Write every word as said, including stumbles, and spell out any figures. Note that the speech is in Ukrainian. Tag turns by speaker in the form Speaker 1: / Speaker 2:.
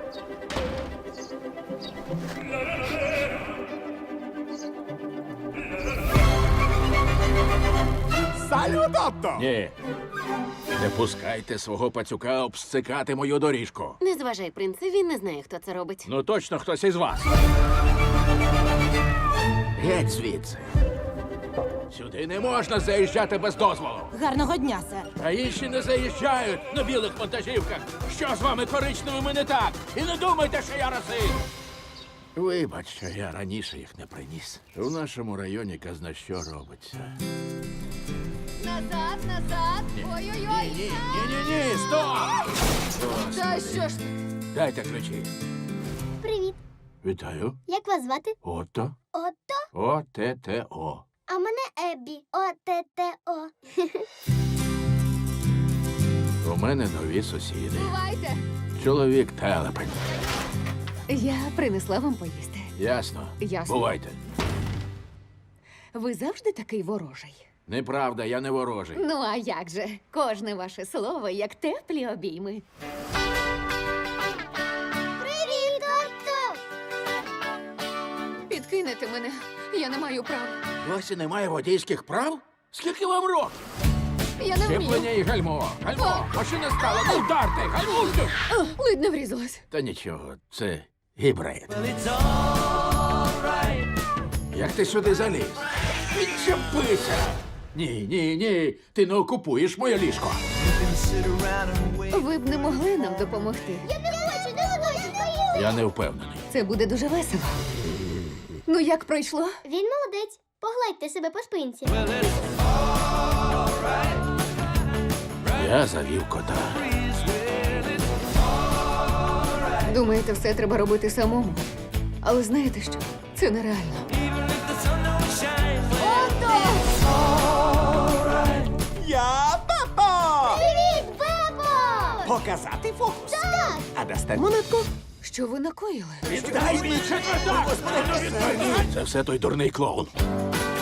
Speaker 1: Салют, Отто!
Speaker 2: Ні. Не пускайте свого пацюка обсцикати мою доріжку.
Speaker 3: Не зважай, принце, він не знає, хто це робить.
Speaker 2: Ну точно хтось із вас. Геть звідси. Сюди не можна заїжджати без дозволу.
Speaker 4: Гарного дня, сер.
Speaker 2: А інші не заїжджають на білих вантажівках. Що з вами коричневими не так? І не думайте, що я расист. Вибач, що я раніше їх не приніс. У нашому районі казна що робиться.
Speaker 3: Назад, назад! Ой-ой-ой!
Speaker 2: Ні, ні, ні, ні, стоп!
Speaker 3: Та що ж ти?
Speaker 2: Дайте ключі.
Speaker 5: Привіт.
Speaker 2: Вітаю.
Speaker 5: Як вас звати?
Speaker 2: Отто.
Speaker 5: Отто?
Speaker 2: О-те-те-о.
Speaker 5: А мене Еббі. О-те-те-о.
Speaker 2: У мене нові сусіди.
Speaker 3: Бувайте!
Speaker 2: Чоловік телепень.
Speaker 3: Я принесла вам поїсти.
Speaker 2: Ясно?
Speaker 3: Ясно.
Speaker 2: Бувайте.
Speaker 3: Ви завжди такий ворожий.
Speaker 2: Неправда, я не ворожий.
Speaker 3: Ну, а як же? Кожне ваше слово, як теплі обійми.
Speaker 5: Привіт, Отто!
Speaker 3: Підкинете мене. Я не маю права.
Speaker 2: Досі немає водійських прав? Скільки вам років?
Speaker 3: Я не
Speaker 2: Щеплення
Speaker 3: вмію.
Speaker 2: і гальмо. Гальмо. Машина стала. Не вдарте. Гальмуйте.
Speaker 3: О, ледь не врізалась.
Speaker 2: Та нічого, це гібрид. Як ти сюди заліз? Відчепися. Ні, ні, ні. Ти не окупуєш моє ліжко.
Speaker 3: Ви б не могли нам допомогти.
Speaker 5: Я не хочу, не хочу.
Speaker 2: Я не впевнений.
Speaker 3: Це буде дуже весело. Ну, як пройшло?
Speaker 5: Він молодець. Погладьте себе по спинці.
Speaker 2: Я завів кота.
Speaker 3: Думаєте, все треба робити самому. Але знаєте що? Це нереально.
Speaker 1: Я Пепо!
Speaker 5: Привіт, Бебо!
Speaker 1: Показати фокус?
Speaker 5: Так!
Speaker 1: А дасте
Speaker 3: Монетку, що ви накоїли?
Speaker 2: Віддай мені четвертак! Це все той дурний клоун.